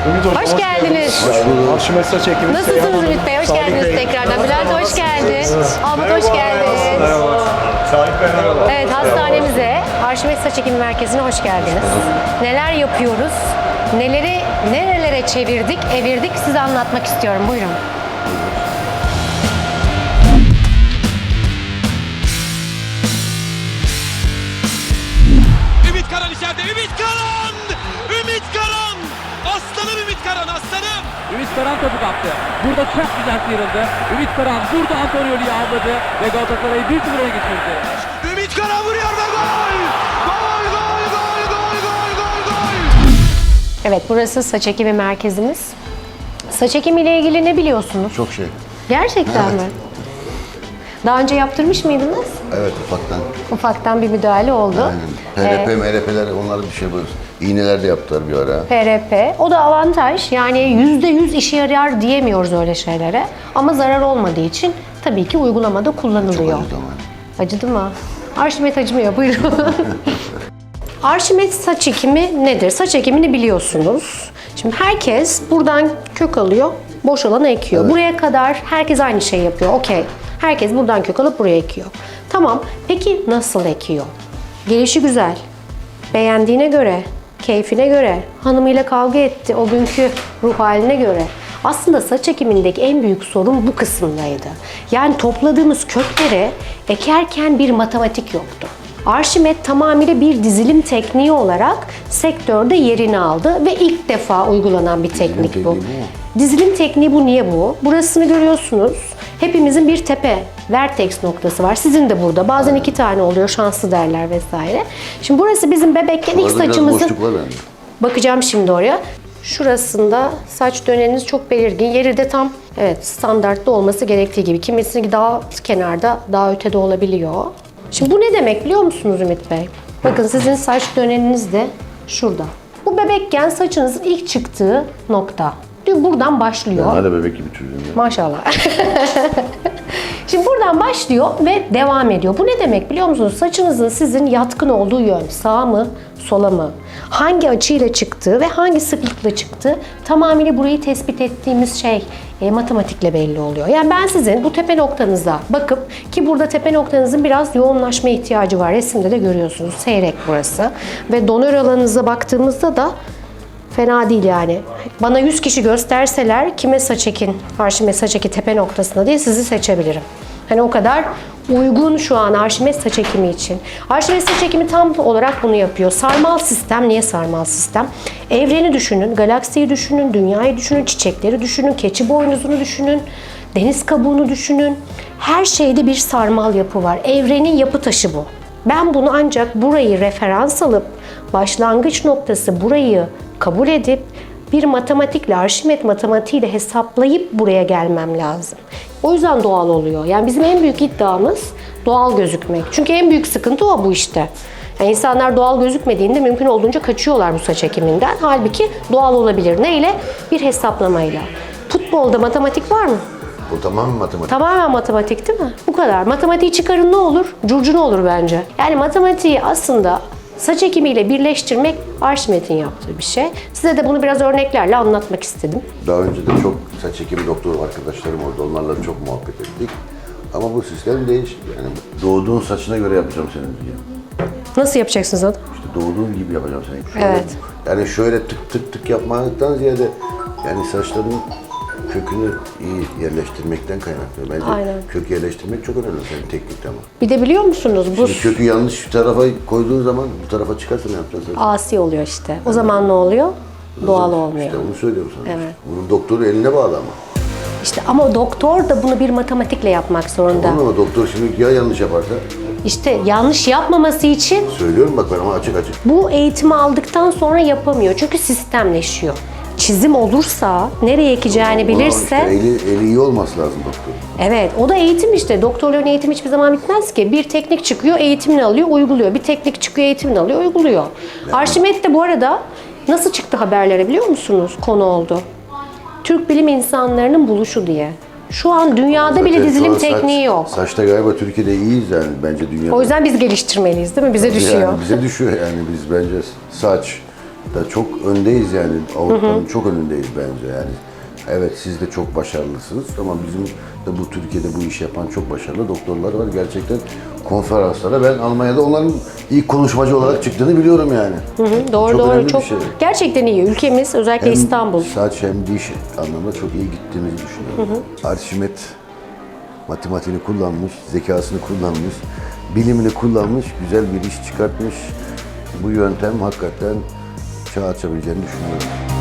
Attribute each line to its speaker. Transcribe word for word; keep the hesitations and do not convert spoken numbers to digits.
Speaker 1: Ümit Hocam,
Speaker 2: Hoş, hoş geldiniz. geldiniz.
Speaker 1: Arşimet saç ekimi.
Speaker 2: Nasılsınız Ümit Bey? Hoş
Speaker 1: Salih
Speaker 2: geldiniz
Speaker 1: Bey.
Speaker 2: tekrardan. Bülent hoş geldin. Ahmet hoş geldin.
Speaker 1: Merhaba. Salih Bey merhaba.
Speaker 2: Evet, hastanemize, Arşimet Saç Ekimi Merkezi'ne hoş geldiniz. Neler yapıyoruz? Neleri nerelere çevirdik, evirdik size anlatmak istiyorum. Buyurun.
Speaker 3: Ümit Karan içeride. Ümit Karan! Ümit Karan! Aslanım Ümit Karan, aslanım!
Speaker 4: Ümit Karan topu kaptı. Burada çok güzel sıyrıldı. Ümit Karan burada Antonioli'yi avladı ve Galatasaray'ı bir sıfır öne geçirdi.
Speaker 3: Ümit Karan vuruyor ve gol! Gol, gol, gol, gol, gol, gol, gol!
Speaker 2: Evet, burası saç ekimi merkezimiz. Saç ekimiyle ilgili ne biliyorsunuz?
Speaker 5: Çok şey.
Speaker 2: Gerçekten
Speaker 5: Evet.
Speaker 2: mi? Daha önce yaptırmış mıydınız?
Speaker 5: Evet, ufaktan.
Speaker 2: Ufaktan bir müdahale oldu.
Speaker 5: Aynen. P R P,
Speaker 2: Ee,
Speaker 5: M R P'ler onları bir şey buluyoruz. İğneler de yaptılar bir ara.
Speaker 2: P R P. O da avantaj. Yani yüzde yüz işe yarar diyemiyoruz öyle şeylere. Ama zarar olmadığı için tabii ki uygulamada kullanılıyor.
Speaker 5: Çok acıdı ama.
Speaker 2: Acıdı mı? Arşimet acımıyor. Buyurun. Arşimet saç ekimi nedir? Saç ekimini biliyorsunuz. Şimdi herkes buradan kök alıyor, boş alanı ekiyor.
Speaker 5: Evet.
Speaker 2: Buraya kadar herkes aynı şey yapıyor. Okey. Herkes buradan kök alıp buraya ekiyor. Tamam. Peki nasıl ekiyor? Gelişi güzel. Beğendiğine göre, keyfine göre, hanımıyla kavga etti o günkü ruh haline göre. Aslında saç ekimindeki en büyük sorun bu kısımdaydı. Yani topladığımız kökleri ekerken bir matematik yoktu. Arşimet tamamıyla bir dizilim tekniği olarak sektörde yerini aldı ve ilk defa uygulanan bir teknik bu.
Speaker 5: tekniği bu mu?
Speaker 2: Dizilim tekniği bu. Niye bu? Burasını görüyorsunuz. Hepimizin bir tepe, vertex noktası var. Sizin de burada. Bazen iki tane oluyor, şanslı derler vesaire. Şimdi burası bizim bebekken ilk
Speaker 5: Orada biraz
Speaker 2: saçımızın...
Speaker 5: boşluk var bende.
Speaker 2: Bakacağım şimdi oraya. Şurasında saç döneniniz çok belirgin. Yeri de tam evet standartta olması gerektiği gibi. Kimisinin daha kenarda, daha ötede olabiliyor. Şimdi bu ne demek biliyor musunuz Ümit Bey? Bakın sizin saç döneniniz de şurada. Bu bebekken saçınızın ilk çıktığı nokta. Buradan başlıyor.
Speaker 5: Hala bebek gibi çocuğum ya.
Speaker 2: Maşallah. Şimdi buradan başlıyor ve devam ediyor. Bu ne demek biliyor musunuz? Saçınızın sizin yatkın olduğu yön sağa mı, sola mı? Hangi açıyla çıktığı ve hangi sıklıkla çıktığı tamamıyla burayı tespit ettiğimiz şey e, matematikle belli oluyor. Yani ben sizin bu tepe noktanıza bakıp ki burada tepe noktanızın biraz yoğunlaşma ihtiyacı var. Resimde de görüyorsunuz. Seyrek burası. Ve donör alanınıza baktığımızda da fena değil yani. Bana yüz kişi gösterseler kime saç ekin, Arşimet saç eki tepe noktasında diye sizi seçebilirim. Hani o kadar uygun şu an Arşimet saç ekimi için. Arşimet saç ekimi tam olarak bunu yapıyor. Sarmal sistem. Niye sarmal sistem? Evreni düşünün, galaksiyi düşünün, dünyayı düşünün, çiçekleri düşünün, keçi boynuzunu düşünün, deniz kabuğunu düşünün. Her şeyde bir sarmal yapı var. Evrenin yapı taşı bu. Ben bunu ancak burayı referans alıp başlangıç noktası burayı kabul edip bir matematikle, Arşimet matematiğiyle hesaplayıp buraya gelmem lazım. O yüzden doğal oluyor. Yani bizim en büyük iddiamız doğal gözükmek. Çünkü en büyük sıkıntı o bu işte. Yani insanlar doğal gözükmediğinde mümkün olduğunca kaçıyorlar bu saç ekiminden. Halbuki doğal olabilir. Neyle? Bir hesaplamayla. Futbolda matematik var mı?
Speaker 5: O tamamen matematik.
Speaker 2: Tamamen matematik değil mi? Bu kadar. Matematiği çıkarın ne olur? Curcuna olur bence. Yani matematiği aslında saç ekimiyle birleştirmek Arşimet'in yaptığı bir şey. Size de bunu biraz örneklerle anlatmak istedim.
Speaker 5: Daha önce de çok saç ekimi doktoru arkadaşlarım oldu. Onlarla çok muhabbet ettik. Ama bu sistem değişti. Yani doğduğun saçına göre yapacağım senin diye.
Speaker 2: Nasıl yapacaksınız onu?
Speaker 5: İşte doğduğun gibi yapacağım senin. Şöyle,
Speaker 2: Evet.
Speaker 5: Yani şöyle tık tık tık yapmaktan ziyade yani saçların kökünü iyi yerleştirmekten kaynaklı. Bence
Speaker 2: Aynen.
Speaker 5: kök yerleştirmek çok önemli senin teknikte ama.
Speaker 2: Bir de biliyor musunuz bu
Speaker 5: Şimdi kökü yanlış tarafa koyduğun zaman bu tarafa çıkarsa ne yapacaksın?
Speaker 2: asi oluyor işte. O zaman ne oluyor? Doğal olmuyor.
Speaker 5: İşte onu söylüyorum sana.
Speaker 2: Evet.
Speaker 5: Bunun doktoru eline bağlı ama.
Speaker 2: İşte ama doktor da bunu bir matematikle yapmak zorunda.
Speaker 5: Tamam ama doktor şimdi ya yanlış yaparsa?
Speaker 2: İşte yanlış yapmaması için
Speaker 5: Söylüyorum bak ben ama açık açık.
Speaker 2: bu eğitimi aldıktan sonra yapamıyor. Çünkü sistemleşiyor. Çizim olursa, nereye ekeceğini bilirse...
Speaker 5: Ama işte eli, eli iyi olması lazım doktor.
Speaker 2: Evet, o da eğitim işte. Doktorların eğitimi hiçbir zaman bitmez ki. Bir teknik çıkıyor, eğitimini alıyor, uyguluyor. Bir teknik çıkıyor, eğitimini alıyor, uyguluyor. Yani. Arşimet de bu arada nasıl çıktı haberlere biliyor musunuz? Konu oldu. Türk bilim insanlarının buluşu diye. Şu an dünyada
Speaker 5: Zaten
Speaker 2: bile
Speaker 5: şu
Speaker 2: dizilim
Speaker 5: an saç-
Speaker 2: tekniği yok.
Speaker 5: Saçta galiba Türkiye'de iyiyiz yani bence dünyada.
Speaker 2: O yüzden biz geliştirmeliyiz değil mi? Bize düşüyor.
Speaker 5: Yani bize düşüyor yani biz bence saç, da çok öndeyiz yani. Avrupa'nın çok önündeyiz bence yani. Evet siz de çok başarılısınız ama bizim de bu Türkiye'de bu işi yapan çok başarılı doktorlar var. Gerçekten konferanslara ben Almanya'da onların ilk konuşmacı olarak çıktığını biliyorum yani.
Speaker 2: Hı hı, doğru
Speaker 5: Çok
Speaker 2: doğru
Speaker 5: önemli bir
Speaker 2: çok
Speaker 5: şey.
Speaker 2: gerçekten iyi. Ülkemiz özellikle
Speaker 5: Hem
Speaker 2: İstanbul.
Speaker 5: saç hem diş anlamında çok iyi gittiğimizi düşünüyorum. Arşimet matematiğini kullanmış, zekasını kullanmış, bilimini kullanmış, güzel bir iş çıkartmış. Bu yöntem hakikaten çağ açabileceğini düşünüyorum.